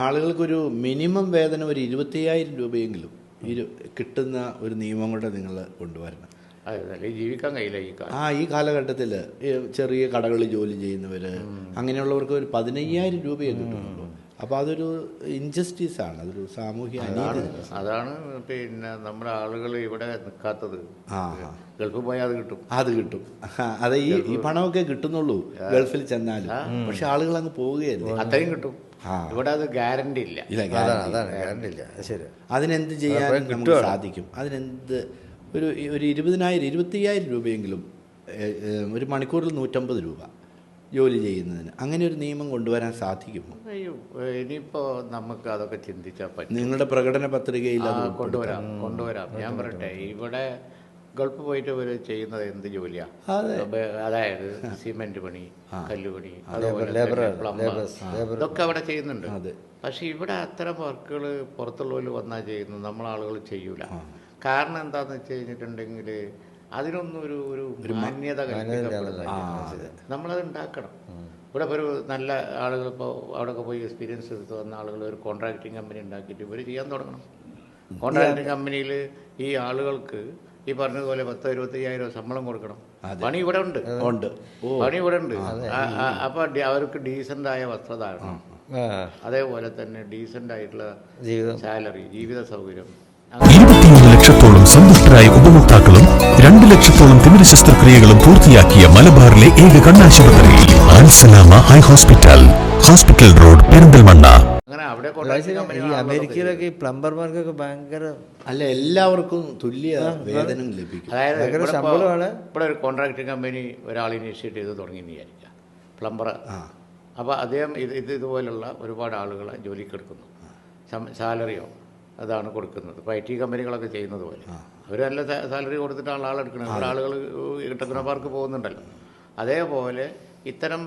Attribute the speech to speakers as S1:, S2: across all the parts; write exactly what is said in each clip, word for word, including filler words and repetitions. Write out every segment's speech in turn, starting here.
S1: ആളുകൾക്കൊരു minimum വേതനം ഒരു ഇരുപത്തിയ്യായിരം രൂപയെങ്കിലും ഇരു കിട്ടുന്ന ഒരു നിയമം കൂടെ നിങ്ങൾ കൊണ്ടുവരണം.
S2: അതെ, ജീവിക്കാൻ കഴിയില്ല ഈ കാലം.
S1: ആ ഈ കാലഘട്ടത്തിൽ ചെറിയ കടകളിൽ ജോലി ചെയ്യുന്നവർ അങ്ങനെയുള്ളവർക്ക് ഒരു പതിനയ്യായിരം രൂപയെ കിട്ടുന്നുള്ളൂ. അപ്പോൾ അതൊരു ഇൻജസ്റ്റിസ് ആണ്, അതൊരു സാമൂഹ്യ അനീതി.
S2: അതാണ് പിന്നെ നമ്മുടെ ആളുകൾ ഇവിടെ നിൽക്കാത്തത്. ആ ഗൾഫിൽ പോയാൽ അത് കിട്ടും,
S1: അത് കിട്ടും. അതെ, ഈ ഈ പണമൊക്കെ കിട്ടുന്നുള്ളൂ ഗൾഫിൽ ചെന്നാലും. പക്ഷെ ആളുകൾ അങ്ങ് പോവുകയല്ലേ,
S2: അത്രയും കിട്ടും. ഇവിടെ അത് ഗ്യാരണ്ടി ഇല്ല.
S1: ഇല്ല,
S3: ഗ്യാരണ്ടി ഇല്ല. ശരി,
S1: അതിനെന്ത് ചെയ്യാൻ നമുക്ക് സാധിക്കും? അതിനെന്ത് ഒരു ഒരു ഇരുപതിനായിരം ഇരുപത്തിയ്യായിരം രൂപയെങ്കിലും ഒരു മണിക്കൂറിൽ നൂറ്റമ്പത് രൂപ ജോലി ചെയ്യുന്നതിന് അങ്ങനെ ഒരു നിയമം കൊണ്ടുവരാൻ സാധിക്കുമോ?
S2: അയ്യോ, ഇനിയിപ്പോൾ നമുക്ക് അതൊക്കെ ചിന്തിച്ചാൽ പറ്റും.
S1: നിങ്ങളുടെ പ്രകടന പത്രികയിൽ അത്
S2: കൊണ്ടുവരാം കൊണ്ടുവരാം ഞാൻ പറയട്ടെ, ഇവിടെ ഗൾഫ് പോയിട്ട് ഇവർ ചെയ്യുന്നത് എന്ത് ജോലിയാണ്? അതായത് സിമെന്റ് പണി, കല്ലുപണി, അതുപോലെ ഇതൊക്കെ അവിടെ ചെയ്യുന്നുണ്ട്. പക്ഷെ ഇവിടെ അത്തരം വർക്കുകൾ പുറത്തുള്ളവർ വന്നാൽ ചെയ്യുന്നത് നമ്മളാളുകൾ ചെയ്യൂല. കാരണം എന്താണെന്ന് വെച്ച് കഴിഞ്ഞിട്ടുണ്ടെങ്കിൽ അതിനൊന്നും ഒരു ഒരു മാന്യത കൽപ്പിക്കപ്പെടുന്നില്ല. നമ്മളത് ഉണ്ടാക്കണം. ഇവിടെ ഇപ്പോൾ ഒരു നല്ല ആളുകൾ ഇപ്പോൾ അവിടെയൊക്കെ പോയി എക്സ്പീരിയൻസ് എടുത്ത് വന്ന ആളുകൾ ഒരു കോൺട്രാക്ടിങ് കമ്പനി ഉണ്ടാക്കിയിട്ട് ഇവർ ചെയ്യാൻ തുടങ്ങണം. കോൺട്രാക്ടിങ് കമ്പനിയിൽ ഈ ആളുകൾക്ക് ഈ പറഞ്ഞതുപോലെ പത്തോ ഇരുപത്തയ്യായിരം ശമ്പളം കൊടുക്കണം. പണി ഇവിടെ ഉണ്ട് ഉണ്ട് പണി ഇവിടെ ഉണ്ട്. അപ്പോൾ അവർക്ക് ഡീസൻ്റായ വസ്ത്രധാരണം, അതേപോലെ തന്നെ ഡീസൻ്റ് ആയിട്ടുള്ള സാലറി, ജീവിത സൗകര്യം.
S4: ഇരുപത്തിയൊന്ന് ലക്ഷത്തോളം സന്തുഷ്ടരായ ഉപഭോക്താക്കളും രണ്ട് ലക്ഷത്തോളം തിമിര ശസ്ത്രക്രിയകളും പൂർത്തിയാക്കിയ മലബാറിലെ ഏക കണ്ണാശുപത്രി Alsalama eye hospital, hospital road, Perinthalmanna.
S2: അങ്ങനെ അവിടെ
S3: ഈ അമേരിക്കയിലൊക്കെ ഈ പ്ലംബർമാർക്കൊക്കെ ഭയങ്കര
S1: അല്ല, എല്ലാവർക്കും തുല്യ വേതനം ലഭിക്കും.
S2: അതായത് ശമ്പളമാണ്. ഇവിടെ ഒരു കോൺട്രാക്ടിങ് കമ്പനി ഒരാൾ ഇനിഷ്യേറ്റ് ചെയ്ത് തുടങ്ങി എന്ന് വിചാരിക്കുക, പ്ലംബർ. അപ്പോൾ അദ്ദേഹം ഇത് ഇത് ഇതുപോലുള്ള ഒരുപാട് ആളുകളെ ജോലിക്ക് എടുക്കുന്നു. സാലറിയോ അതാണ് കൊടുക്കുന്നത്. ഇപ്പോൾ ഐ ടി കമ്പനികളൊക്കെ ചെയ്യുന്നത് പോലെ അവർ നല്ല സാലറി കൊടുത്തിട്ടാണ് ആളെടുക്കുന്നത്. ഇവിടെ ആളുകൾ ടെക്നോപാർക്ക് പോകുന്നുണ്ടല്ലോ. അതേപോലെ ഇത്തരം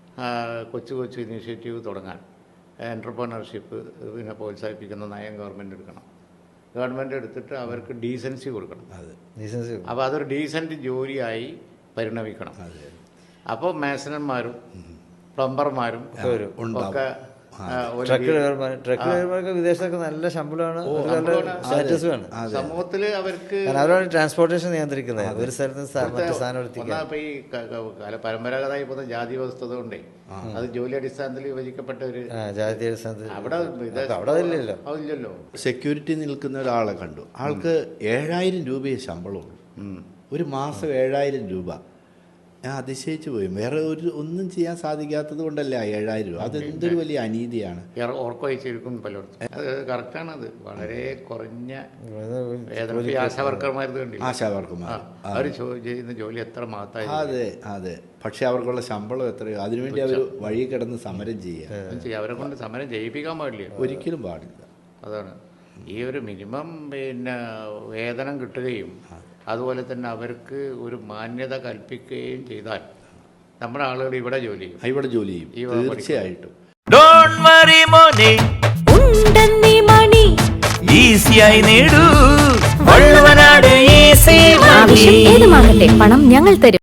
S2: കൊച്ചു കൊച്ചു ഇനീഷ്യേറ്റീവ് തുടങ്ങാൻ എൻ്റർപ്രണർഷിപ്പ് പിന്നെ പ്രോത്സാഹിപ്പിക്കുന്ന നയം ഗവൺമെൻറ് എടുക്കണം. ഗവൺമെൻറ് എടുത്തിട്ട് അവർക്ക് ഡീസൻസി കൊടുക്കണം.
S3: ഡീസൻസി
S2: അപ്പോൾ അതൊരു ഡീസൻറ്റ് ജോലിയായി പരിണമിക്കണം. അപ്പോൾ മേസനന്മാരും പ്ലംബർമാരും ഒക്കെ
S3: ട്രക്ക് ഡ്രൈവർമാർക്ക് വിദേശത്തൊക്കെ നല്ല ശമ്പളമാണ്, സ്റ്റാറ്റസ് വേണം
S2: സമൂഹത്തിൽ. അവർക്ക്
S3: അവരാണ് ട്രാൻസ്പോർട്ടേഷൻ നിയന്ത്രിക്കുന്നത് ഒരു സ്ഥലത്ത് സാധനം എത്തിക്കാൻ.
S2: ഇപ്പൊ ഈ പരമ്പരാഗതമായി പോകുന്ന ജാതി വ്യവസ്ഥ കൊണ്ടേ അത് ജോലി അടിസ്ഥാനത്തിൽ വിഭജിക്കപ്പെട്ട ഒരു
S3: ജാതി അടിസ്ഥാനത്തിൽ
S2: അവിടെ
S3: അവിടെ അതില്ലല്ലോ
S2: അതില്ലല്ലോ
S1: സെക്യൂരിറ്റി നിൽക്കുന്ന ഒരാളെ കണ്ടു. ആൾക്ക് ഏഴായിരം രൂപയെ ശമ്പളമുള്ളൂ, ഒരു മാസം ഏഴായിരം രൂപ. ഞാൻ അതിശയിച്ചു പോയി. വേറെ ഒരു ഒന്നും ചെയ്യാൻ സാധിക്കാത്തത് കൊണ്ടല്ലേ ഏഴായിരം രൂപ. അതെന്തൊരു വലിയ അനീതിയാണ്.
S2: ഓർക്കും പലയിടത്തും അത് കറക്റ്റാണ്. അത് വളരെ കുറഞ്ഞ ആശാവർക്കർമാർ
S1: ആശാവർക്കർമാർ
S2: അവർ ചെയ്യുന്ന ജോലി എത്ര മാത്രമായി.
S1: അതെ അതെ, പക്ഷെ അവർക്കുള്ള ശമ്പളം എത്രയോ. അതിനുവേണ്ടി അവർ വഴി കിടന്ന് സമരം ചെയ്യുക.
S2: അവരെ കൊണ്ട് സമരം ചെയ്യിപ്പിക്കാൻ പാടില്ല,
S1: ഒരിക്കലും പാടില്ല.
S2: അതാണ് ഈ ഒരു മിനിമം പിന്നെ വേതനം കിട്ടുകയും അതുപോലെ തന്നെ അവർക്ക് ഒരു മാന്യത കൽപ്പിക്കുകയും ചെയ്താൽ നമ്മുടെ ആളുകൾ ഇവിടെ ജോലി ചെയ്യും
S1: ഇവിടെ ജോലി ചെയ്യും തീർച്ചയായിട്ടും.
S5: പണം ഞങ്ങൾ തരും.